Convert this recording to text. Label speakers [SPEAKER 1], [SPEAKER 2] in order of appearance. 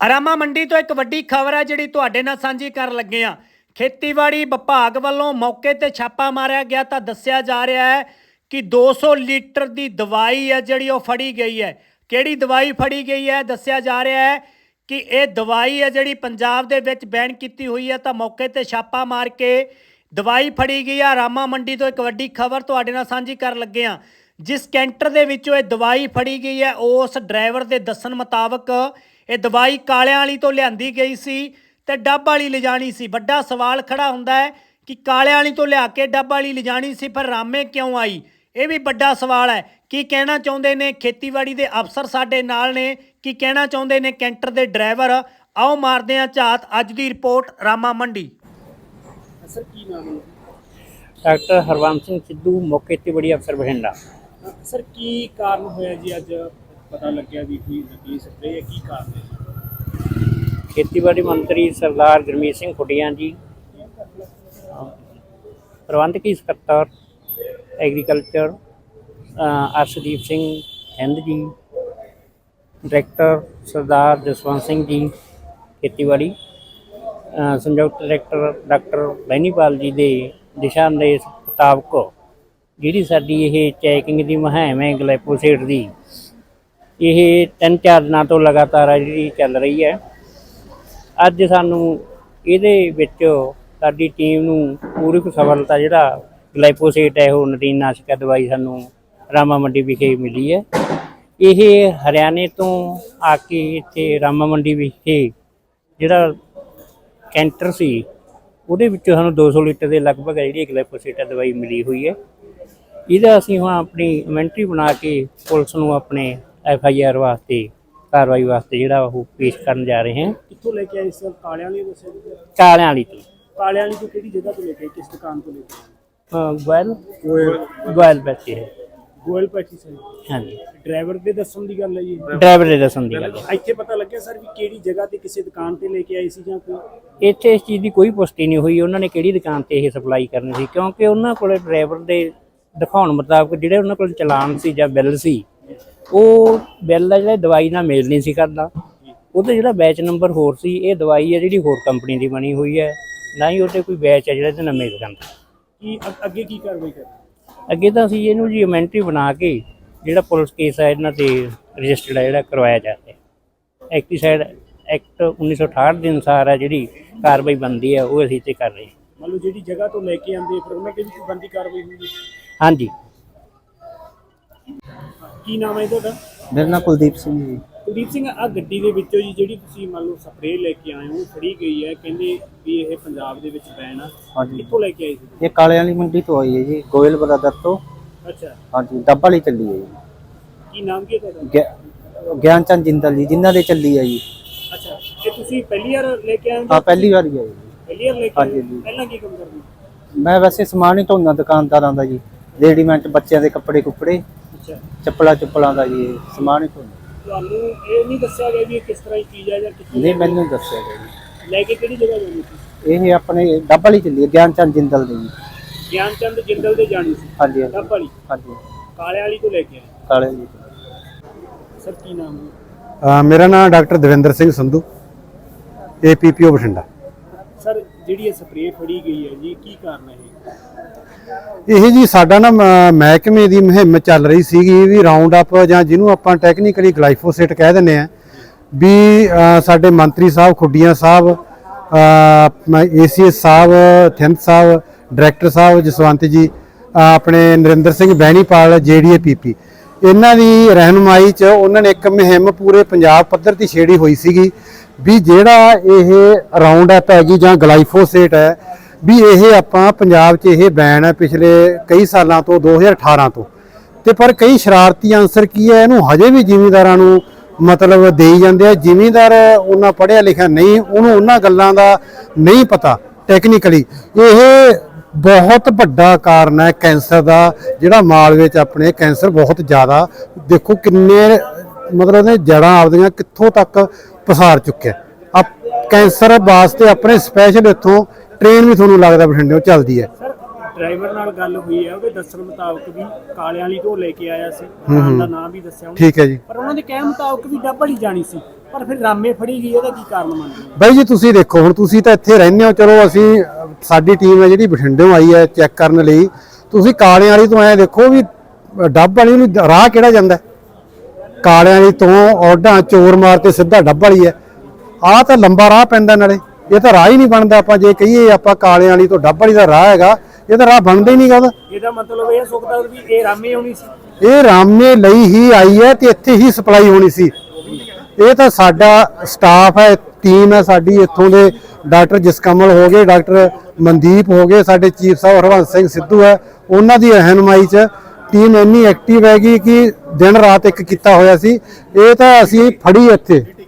[SPEAKER 1] ਰਾਮਾ ਮੰਡੀ ਤੋਂ ਇੱਕ ਵੱਡੀ ਖਬਰ ਹੈ ਜਿਹੜੀ ਤੁਹਾਡੇ ਨਾਲ ਸਾਂਝੀ ਕਰਨ ਲੱਗੇ ਆ। ਖੇਤੀਬਾੜੀ ਵਿਭਾਗ ਵੱਲੋਂ ਮੌਕੇ ਤੇ ਛਾਪਾ ਮਾਰਿਆ ਗਿਆ ਤਾਂ ਦੱਸਿਆ ਜਾ ਰਿਹਾ ਹੈ ਕਿ 200 ਲੀਟਰ ਦੀ ਦਵਾਈ ਹੈ ਜਿਹੜੀ ਉਹ ਫੜੀ ਗਈ ਹੈ। ਕਿਹੜੀ ਦਵਾਈ ਫੜੀ ਗਈ ਹੈ? ਦੱਸਿਆ ਜਾ ਰਿਹਾ ਹੈ ਕਿ ਇਹ ਦਵਾਈ ਹੈ ਜਿਹੜੀ ਪੰਜਾਬ ਦੇ ਵਿੱਚ ਬੈਨ ਕੀਤੀ ਹੋਈ ਹੈ। ਤਾਂ ਮੌਕੇ ਤੇ ਛਾਪਾ ਮਾਰ ਕੇ ਦਵਾਈ ਫੜੀ ਗਈ ਆ। ਰਾਮਾ ਮੰਡੀ ਤੋਂ ਇੱਕ ਵੱਡੀ ਖਬਰ ਤੁਹਾਡੇ ਨਾਲ ਸਾਂਝੀ ਕਰਨ ਲੱਗੇ ਆ। ਜਿਸ ਕੈਂਟਰ ਦੇ ਵਿੱਚੋਂ ਇਹ ਦਵਾਈ ਫੜੀ ਗਈ ਹੈ ਉਸ ਡਰਾਈਵਰ ਦੇ ਦੱਸਣ ਮੁਤਾਬਕ ਇਹ ਦਵਾਈ ਕਾਲਿਆਂ ਵਾਲੀ ਤੋਂ ਲਿਆਂਦੀ ਗਈ ਸੀ ਤੇ ਡੱਬ ਵਾਲੀ ਲਿਜਾਣੀ ਸੀ। ਵੱਡਾ ਸਵਾਲ ਖੜਾ ਹੁੰਦਾ ਹੈ ਕਿ ਕਾਲਿਆਂ ਵਾਲੀ ਤੋਂ ਲਿਆ ਕੇ ਡੱਬ ਵਾਲੀ ਲਿਜਾਣੀ ਸੀ, ਪਰ ਰਾਮੇ ਕਿਉਂ ਆਈ? ਇਹ ਵੀ ਵੱਡਾ ਸਵਾਲ ਹੈ। ਕੀ ਕਹਿਣਾ ਚਾਹੁੰਦੇ ਨੇ ਖੇਤੀਬਾੜੀ ਦੇ ਅਫਸਰ ਸਾਡੇ ਨਾਲ ਨੇ, ਕੀ ਕਹਿਣਾ ਚਾਹੁੰਦੇ ਨੇ ਕੈਂਟਰ ਦੇ ਡਰਾਈਵਰ? ਆਓ ਮਾਰਦੇ ਹਾਂ ਝਾਤ। ਅੱਜ ਦੀ ਰਿਪੋਰਟ ਰਾਮਾ ਮੰਡੀ।
[SPEAKER 2] ਸਰ ਕੀ ਨਾਮ ਹੈ?
[SPEAKER 3] डॉक्टर हरवंश सिंह सिद्धू मुख्य खेतीबाड़ी अफसर बठिंडा।
[SPEAKER 2] ਸਰ ਕੀ ਕਾਰਨ ਹੋਇਆ ਜੀ ਅੱਜ ਪਤਾ ਲੱਗਿਆ ਵੀ ਕੋਈ ਨਕਲੀ ਸਪਰੇਅ ਹੈ, ਕੀ ਕਾਰਨ ਹੈ?
[SPEAKER 3] खेतीबाड़ी मंत्री सरदार गुरमीत सिंह खुडिया जी, प्रबंधकी सकत्तर एग्रीकल्चर अर्शदीप सिंह हिंद जी, डायरैक्टर सरदार जसवंत सिंह जी खेतीबाड़ी, संयुक्त डायरैक्टर डॉक्टर बैनीपाल जी के दिशा निर्देश मुताबक ਜਿਹੜੀ ਸਾਡੀ ਇਹ ਚੈਕਿੰਗ ਦੀ ਮੁਹਿੰਮ ਹੈ ਗਲਾਈਫੋਸੇਟ ਦੀ, ਇਹ 3-4 ਦਿਨਾਂ ਤੋਂ ਲਗਾਤਾਰ ਆ ਜਿਹੜੀ ਚੱਲ ਰਹੀ ਹੈ। ਅੱਜ ਸਾਨੂੰ ਇਹਦੇ ਵਿੱਚ ਸਾਡੀ ਟੀਮ ਨੂੰ ਪੂਰੀ ਸਫਲਤਾ ਜਿਹੜਾ ਗਲਾਈਫੋਸੇਟ ਹੈ ਉਹ ਨਦੀਨਨਾਸ਼ਕ ਦਵਾਈ ਸਾਨੂੰ ਰਾਮਾ ਮੰਡੀ ਵਿਖੇ ਮਿਲੀ ਹੈ। ਇਹ ਹਰਿਆਣੇ ਤੋਂ ਆ ਕੇ ਇੱਥੇ ਰਾਮਾ ਮੰਡੀ ਵਿਖੇ ਜਿਹੜਾ ਕੈਂਟਰ ਸੀ ਉਹਦੇ ਵਿੱਚੋਂ ਸਾਨੂੰ 200 ਲੀਟਰ ਦੇ ਲਗਭਗ ਜਿਹੜੀ ਗਲਾਈਫੋਸੇਟ ਦਵਾਈ ਮਿਲੀ ਹੋਈ ਹੈ। ਇਹਦਾ ਅਸੀਂ ਹੁਣ ਆਪਣੀ ਇਨਵੈਂਟਰੀ ਬਣਾ ਕੇ ਪੁਲਿਸ ਨੂੰ ਆਪਣੇ FIR ਵਾਸਤੇ ਕਾਰਵਾਈ ਵਾਸਤੇ ਜਿਹੜਾ ਉਹ ਪੇਸ਼ ਕਰਨ ਜਾ ਰਹੇ ਹਾਂ।
[SPEAKER 2] ਕਿੱਥੋਂ ਲੈ ਕੇ ਆਏ ਸਰ? ਕਾਲਿਆਂ ਵਾਲੀ ਦੱਸਿਆ ਜੀ?
[SPEAKER 3] ਕਾਲਿਆਂ ਵਾਲੀ ਤੋਂ।
[SPEAKER 2] ਕਾਲਿਆਂ ਵਾਲੀ ਤੋਂ ਕਿਹੜੀ ਜਗ੍ਹਾ ਤੋਂ ਲੈ ਕੇ ਆਏ, ਕਿਸ ਦੁਕਾਨ ਤੋਂ ਲੈ ਕੇ
[SPEAKER 3] ਗੋਇਲ ਪੈਸੇ ਹੈ।
[SPEAKER 2] ਗੋਇਲ ਪੈਟੀ ਸਰ।
[SPEAKER 3] ਹਾਂਜੀ,
[SPEAKER 2] ਡਰਾਈਵਰ ਦੇ ਦੱਸਣ ਦੀ ਗੱਲ ਹੈ ਜੀ?
[SPEAKER 3] ਡਰਾਈਵਰ ਦੇ ਦੱਸਣ ਦੀ ਗੱਲ ਹੈ।
[SPEAKER 2] ਇੱਥੇ ਪਤਾ ਲੱਗਿਆ ਸਰ ਵੀ ਕਿਹੜੀ ਜਗ੍ਹਾ ਤੇ ਕਿਸੇ ਦੁਕਾਨ ਤੇ ਲੈ ਕੇ ਆਏ ਸੀ ਜਾਂ ਕੋਈ?
[SPEAKER 3] ਇੱਥੇ ਇਸ ਚੀਜ਼ ਦੀ ਕੋਈ ਪੁਸ਼ਟੀ ਨਹੀਂ ਹੋਈ ਉਹਨਾਂ ਨੇ ਕਿਹੜੀ ਦੁਕਾਨ ਤੇ ਇਹ ਸਪਲਾਈ ਕਰਨੀ ਸੀ, ਕਿਉਂਕਿ ਉਹਨਾਂ ਕੋਲ ਡਰਾਈਵਰ ਦੇ ਦਿਖਾਉਣ ਮੁਤਾਬਕ ਜਿਹੜੇ ਉਹਨਾਂ ਕੋਲ ਚਲਾਨ ਸੀ ਜਾਂ ਬਿੱਲ ਸੀ, ਉਹ ਬਿੱਲ ਦਾ ਜਿਹੜਾ ਦਵਾਈ ਨਾਲ ਮੇਲ ਨਹੀਂ ਸੀ ਕਰਦਾ। ਉਹਦਾ ਜਿਹੜਾ ਬੈਚ ਨੰਬਰ ਹੋਰ ਸੀ, ਇਹ ਦਵਾਈ ਹੈ ਜਿਹੜੀ ਹੋਰ ਕੰਪਨੀ ਦੀ ਬਣੀ ਹੋਈ ਹੈ, ਨਾ ਹੀ ਉਹਦੇ ਕੋਈ ਬੈਚ ਹੈ ਜਿਹੜਾ ਇਹਦੇ ਨਾਲ ਮੇਲ ਕਰਦਾ।
[SPEAKER 2] ਕੀ ਅੱਗੇ ਕੀ ਕਾਰਵਾਈ ਕਰਨੀ?
[SPEAKER 3] ਅੱਗੇ ਤਾਂ ਅਸੀਂ ਇਹਨੂੰ ਜੀ ਇਨਵੈਂਟਰੀ ਬਣਾ ਕੇ ਜਿਹੜਾ ਪੁਲਿਸ ਕੇਸ ਹੈ ਇਹਨਾਂ ਤੇ ਰਜਿਸਟਰਡ ਹੈ ਜਿਹੜਾ ਕਰਵਾਇਆ ਜਾ ਰਿਹਾ। ਐਕਟੀਸਾਈਡ ਐਕਟ 1968 ਦੇ ਅਨੁਸਾਰ ਹੈ ਜਿਹੜੀ ਕਾਰਵਾਈ ਬਣਦੀ ਹੈ ਉਹ ਅਸੀਂ ਤੇ ਕਰ ਰਹੇ ਹਾਂ।
[SPEAKER 2] ਮੰਨ ਲਓ ਜਿਹੜੀ ਜਗ੍ਹਾ ਤੋਂ ਲੈ ਕੇ ਆਉਂਦੇ ਫਿਰ ਉਹਨਾਂ ਤੇ ਵੀ ਕੋਈ ਬਣਦੀ ਕਾਰਵਾਈ ਹੋਊਗੀ?
[SPEAKER 3] ਹਾਂਜੀ।
[SPEAKER 2] ਕੀ ਨਾਮ ਹੈ ਤੁਹਾਡਾ?
[SPEAKER 4] ਮੇਰਾ ਨਾਮ ਕੁਲਦੀਪ ਸਿੰਘ ਜੀ।
[SPEAKER 2] ਕੁਲਦੀਪ ਸਿੰਘ, ਆ ਗੱਡੀ ਦੇ ਵਿੱਚੋਂ ਜੀ ਜਿਹੜੀ ਤੁਸੀਂ ਮੰਨ ਲਓ ਸਪਰੇਅ ਲੈ ਕੇ ਆਏ ਹੋ ਫੜੀ ਗਈ ਹੈ, ਕਹਿੰਦੇ ਵੀ ਇਹ ਪੰਜਾਬ ਦੇ ਵਿੱਚ ਬੈਨ ਆ,
[SPEAKER 4] ਹਾਂਜੀ,
[SPEAKER 2] ਕਿੱਥੋਂ ਲੈ ਕੇ ਆਏ ਸੀ?
[SPEAKER 4] ਇਹ ਕਾਲੇ ਵਾਲੀ ਮੰਡੀ ਤੋਂ ਆਈ ਹੈ ਜੀ, ਗੋਇਲ ਬਰਾਦਰ ਤੋਂ।
[SPEAKER 2] ਅੱਛਾ,
[SPEAKER 4] ਹਾਂਜੀ, ਡੱਬ ਵਾਲੀ ਚੱਲੀ ਹੈ ਜੀ।
[SPEAKER 2] ਕੀ ਨਾਮ ਕੀ ਹੈ ਤੁਹਾਡਾ?
[SPEAKER 4] ਗਿਆਨ ਚੰਦ ਜਿੰਦਲ ਜੀ, ਜਿਨ੍ਹਾਂ ਦੇ ਚੱਲੀ ਹੈ ਜੀ।
[SPEAKER 2] ਅੱਛਾ, ਇਹ ਤੁਸੀਂ ਪਹਿਲੀ ਵਾਰ ਲੈ ਕੇ ਆਏ ਹੋ?
[SPEAKER 4] ਹਾਂ, ਪਹਿਲੀ ਵਾਰੀ ਹੈ ਜੀ।
[SPEAKER 2] ਪਹਿਲੀ ਵਾਰ ਲੈ ਕੇ
[SPEAKER 4] ਹਾਂਜੀ
[SPEAKER 2] ਆਏ
[SPEAKER 4] ਜੀ।
[SPEAKER 2] ਪਹਿਲਾਂ ਕੀ ਕੰਮ ਕਰਦੇ?
[SPEAKER 4] ਮੈਂ ਵੈਸੇ ਸਮਾਨ ਹੀ ਧੋਂਦਾ ਦੁਕਾਨਦਾਰਾਂ ਦਾ ਜੀ, ਰੈਡੀਮੇਡ ਬੱਚਿਆਂ ਦੇ ਕੱਪੜੇ ਕੁੱਪੜੇ,
[SPEAKER 2] ਅੱਛਾ,
[SPEAKER 4] ਚੱਪਲਾਂ ਦਾ ਜੀ ਸਮਾਨ ਹੀ ਧੋਂਦਾ।
[SPEAKER 2] ਤੁਹਾਨੂੰ ਇਹ ਨਹੀਂ ਦੱਸਿਆ ਗਿਆ ਵੀ ਇਹ ਕਿਸ ਤਰ੍ਹਾਂ ਦੀ ਚੀਜ਼ ਹੈ ਜਾਂ ਕਿੱਥੋਂ?
[SPEAKER 4] ਨਹੀਂ, ਮੈਨੂੰ ਦੱਸਿਆ ਗਿਆ ਜੀ।
[SPEAKER 2] ਲੈ ਕੇ ਕਿਹੜੀ ਜਗ੍ਹਾ ਜਾਣੀ ਸੀ?
[SPEAKER 4] ਇਹ ਆਪਣੇ ਡੱਬ ਵਾਲੀ ਚੱਲੀ ਹੈ, ਗਿਆਨ ਚੰਦ ਜਿੰਦਲ ਦੇ ਜੀ।
[SPEAKER 2] ਗਿਆਨ ਚੰਦ ਜਿੰਦਲ ਦੇ ਜਾਣੀ ਸੀ?
[SPEAKER 4] ਹਾਂਜੀ
[SPEAKER 2] ਡੱਬ ਵਾਲੀ?
[SPEAKER 4] ਹਾਂਜੀ,
[SPEAKER 2] ਕਾਲੇ ਵਾਲੀ ਤੋਂ ਲੈ ਕੇ ਆਏ
[SPEAKER 4] ਕਾਲੇ ਜੀ।
[SPEAKER 2] ਸਰ ਕੀ ਨਾਮ ਹੈ?
[SPEAKER 5] ਮੇਰਾ ਨਾਮ doctor Davinder Singh Sandhu, APPO Bathinda.
[SPEAKER 2] Sir ਜਿਹੜੀ ਇਹ ਸਪਰੇਅ ਫੜੀ ਗਈ ਹੈ ਜੀ, ਕੀ ਕਾਰਨ ਹੈ
[SPEAKER 5] ਇਹ ਜੀ ਸਾਡਾ ਨਾ ਮਹਿਕਮੇ ਦੀ ਮੁਹਿੰਮ ਚੱਲ ਰਹੀ ਸੀਗੀ ਵੀ ਰਾਉਂਡ ਅਪ ਜਾਂ ਜਿਹਨੂੰ ਆਪਾਂ ਟੈਕਨੀਕਲੀ ਗਲਾਈਫੋਸੇਟ ਕਹਿ ਦਿੰਦੇ ਆ, ਵੀ ਸਾਡੇ ਮੰਤਰੀ ਸਾਹਿਬ ਖੁੱਡੀਆਂ ਸਾਹਿਬ, ACS ਸਾਹਿਬ ਥਿੰਦ ਸਾਹਿਬ, ਡਾਇਰੈਕਟਰ ਸਾਹਿਬ ਜਸਵੰਤ ਜੀ, ਆਪਣੇ ਨਰਿੰਦਰ ਸਿੰਘ ਬੈਣੀਪਾਲ JDAPP, ਇਹਨਾਂ ਦੀ ਰਹਿਨੁਮਾਈ 'ਚ ਉਹਨਾਂ ਨੇ ਇੱਕ ਮੁਹਿੰਮ ਪੂਰੇ ਪੰਜਾਬ ਪੱਧਰ ਤੇ ਛੇੜੀ ਹੋਈ ਸੀਗੀ ਵੀ ਜਿਹੜਾ ਇਹ ਰਾਉਂਡ ਅਪ ਹੈਗੀ ਜਾਂ ਗਲਾਈਫੋਸੇਟ ਹੈ ਵੀ ਇਹ ਆਪਾਂ ਪੰਜਾਬ 'ਚ ਇਹ ਬੈਨ ਹੈ ਪਿਛਲੇ ਕਈ ਸਾਲਾਂ ਤੋਂ, 2018 ਤੋਂ। ਤੇ ਪਰ ਕਈ ਸ਼ਰਾਰਤੀ ਅਨਸਰ ਕੀ ਹੈ, ਇਹਨੂੰ ਹਜੇ ਵੀ ਜ਼ਿਮੀਂਦਾਰਾਂ ਨੂੰ ਮਤਲਬ ਦੇਈ ਜਾਂਦੇ ਆ। ਜ਼ਿਮੀਂਦਾਰ ਉਹਨਾਂ ਪੜ੍ਹਿਆ ਲਿਖਿਆ ਨਹੀਂ, ਉਹਨੂੰ ਉਹਨਾਂ ਗੱਲਾਂ ਦਾ ਨਹੀਂ ਪਤਾ ਟੈਕਨੀਕਲੀ। ਇਹ ਬਹੁਤ ਵੱਡਾ ਕਾਰਨ ਹੈ ਕੈਂਸਰ ਦਾ, ਜਿਹੜਾ ਮਾਲਵੇ 'ਚ ਆਪਣੇ ਕੈਂਸਰ ਬਹੁਤ ਜ਼ਿਆਦਾ, ਦੇਖੋ ਕਿੰਨੇ ਮਤਲਬ ਨੇ ਜੜ੍ਹਾਂ ਆਪਦੀਆਂ ਕਿੱਥੋਂ ਤੱਕ ਪਸਾਰ ਚੁੱਕਿਆ। ਕੈਂਸਰ ਵਾਸਤੇ ਆਪਣੇ ਸਪੈਸ਼ਲ ਇੱਥੋਂ ਟ੍ਰੇਨ ਵੀ ਤੁਹਾਨੂੰ ਲੱਗਦਾ ਬਠਿੰਡਿਓਂ ਚੱਲਦੀ ਹੈ।
[SPEAKER 2] ਸਰ ਡਰਾਈਵਰ ਨਾਲ ਗੱਲ ਹੋਈ ਹੈ ਉਹਦੇ ਦੱਸਣ ਮੁਤਾਬਕ ਵੀ ਕਾਲਿਆਂ ਵਾਲੀ ਢੋ ਲੈ ਕੇ ਆਇਆ ਸੀ, ਦੁਕਾਨ ਦਾ ਨਾਮ ਵੀ ਦੱਸਿਆ ਉਹਨੇ।
[SPEAKER 5] ਠੀਕ ਹੈ ਜੀ।
[SPEAKER 2] ਪਰ ਉਹਨਾਂ ਦੇ ਕਹਿਣ ਮੁਤਾਬਕ ਵੀ ਡੱਬ ਵਾਲੀ ਜਾਣੀ ਸੀ, ਪਰ ਫਿਰ ਰਾਮੇ ਫੜੀ ਗਈ, ਇਹਦਾ ਕੀ ਕਾਰਨ ਮੰਨਦੇ ਹੋ?
[SPEAKER 5] ਬਾਈ ਜੀ ਤੁਸੀਂ ਦੇਖੋ, ਹੁਣ ਤੁਸੀਂ ਤਾਂ ਇੱਥੇ ਰਹਿੰਦੇ ਹੋ, ਚਲੋ ਅਸੀਂ ਸਾਡੀ ਟੀਮ ਹੈ ਜਿਹੜੀ ਬਠਿੰਡਿਓਂ ਆਈ ਹੈ ਚੈੱਕ ਕਰਨ ਲਈ। ਤੁਸੀਂ ਕਾਲਿਆਂ ਵਾਲੀ ਤੋਂ ਐਂ ਦੇਖੋ ਵੀ ਡੱਬ ਵਾਲੀ ਨੂੰ ਰਾਹ ਕਿਹੜਾ ਜਾਂਦਾ? ਕਾਲਿਆਂ ਵਾਲੀ ਤੋਂ ਔਡਾਂ ਚੋਰ ਮਾਰ ਤੇ ਸਿੱਧਾ ਡੱਬ ਵਾਲੀ ਹੈ। ਆਹ ਤਾਂ ਲੰਬਾ ਰਾਹ ਪੈਂਦਾ, ਨਾਲੇ ਇਹ ਤਾਂ ਰਾਹ ਹੀ ਨਹੀਂ ਬਣਦਾ। ਆਪਾਂ ਜੇ ਕਹੀਏ ਆਪਾਂ ਕਾਲਿਆਂ ਵਾਲੀ ਤੋਂ ਡੱਬ ਵਾਲੀ ਦਾ ਰਾਹ ਹੈਗਾ, ਇਹ ਤਾਂ ਰਾਹ ਬਣਦਾ ਹੀ ਨਹੀਂਗਾ ਉਹਦਾ।
[SPEAKER 2] ਇਹਦਾ ਮਤਲਬ ਇਹ ਸੁਖਦਾ ਵੀ ਇਹ ਰਾਮੇ ਹੋਣੀ ਸੀ,
[SPEAKER 5] ਇਹ ਰਾਮੇ ਲਈ ਹੀ ਆਈ ਹੈ ਤੇ ਇੱਥੇ ਹੀ ਸਪਲਾਈ ਹੋਣੀ ਸੀ। ਇਹ ਤਾਂ ਸਾਡਾ ਸਟਾਫ ਹੈ, ਟੀਮ ਹੈ ਸਾਡੀ, ਇੱਥੋਂ ਦੇ ਡਾਕਟਰ ਜਸਕਮਲ ਹੋ ਗਏ, ਡਾਕਟਰ ਮਨਦੀਪ ਹੋ ਗਏ, ਸਾਡੇ ਚੀਫ ਸਾਹਿਬ ਹਰਵੰਸ ਸਿੰਘ ਸਿੱਧੂ ਹੈ, ਉਹਨਾਂ ਦੀ ਰਹਿਨੁਮਾਈ 'ਚ ਟੀਮ ਇੰਨੀ ਐਕਟਿਵ ਹੈਗੀ ਕਿ ਦਿਨ ਰਾਤ ਇੱਕ ਕੀਤਾ ਹੋਇਆ ਸੀ। ਇਹ ਤਾਂ ਅਸੀਂ ਫੜੀ ਇੱਥੇ